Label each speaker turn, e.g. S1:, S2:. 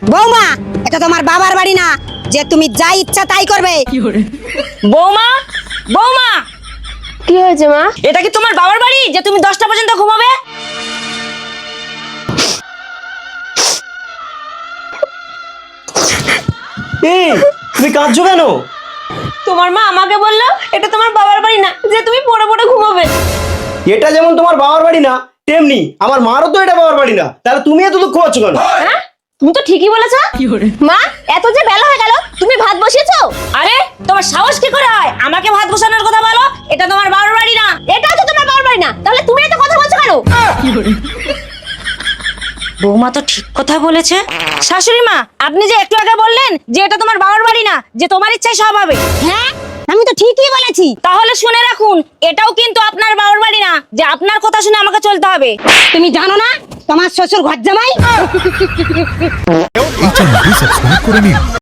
S1: বৌমা, এটা তোমার বাবার বাড়ি না যে তুমি যা ইচ্ছা তাই করবে।
S2: বৌমা, বৌমা,
S3: কি হয়েছে মা?
S2: এটা কি তোমার বাবার বাড়ি যে তুমি 10টা পর্যন্ত ঘুমাবে?
S4: এই তুমি কাঁদছো কেন?
S2: তোমার মা আমাকে বললো এটা তোমার বাবার বাড়ি না যে তুমি পড়ে পড়ে ঘুমাবে।
S4: এটা যেমন তোমার বাবার বাড়ি না, তেমনি আমার মারও তো এটা বাবার বাড়ি না। তাহলে তুমি এত দুঃখ পাচ্ছ কেন?
S2: হ্যাঁ, তুমি তো ঠিকই বলেছো।
S3: মা, এত যে বেলা হয়ে গেল, তুমি ভাত বসিয়েছো?
S2: আরে তোমার সাহস কি করে হয় আমাকে ভাত বসানোর কথা বলো? এটা তোমার বাবার বাড়ি না।
S3: এটাও তো তোমার বাবার বাড়ি না, তাহলে তুমি এত কথা বলছো কেন?
S2: বৌমা তো ঠিক কথা বলেছে। শাশুড়ি মা, আপনি যে একটু আগে বললেন যে এটা তোমার বাবার বাড়ি না, যে তোমার ইচ্ছায় সব হবে।
S1: হ্যাঁ, আমি তো ঠিকই বলেছি।
S2: তাহলে শুনে রাখুন, এটাও কিন্তু আপনার বাবার বাড়ি না যে আপনার কথা শুনে আমাকে চলতে হবে।
S1: তুমি জানো না তোমার শ্বশুর ঘর জামাই।
S5: এই চ্যানেলটি সাবস্ক্রাইব করে নিন।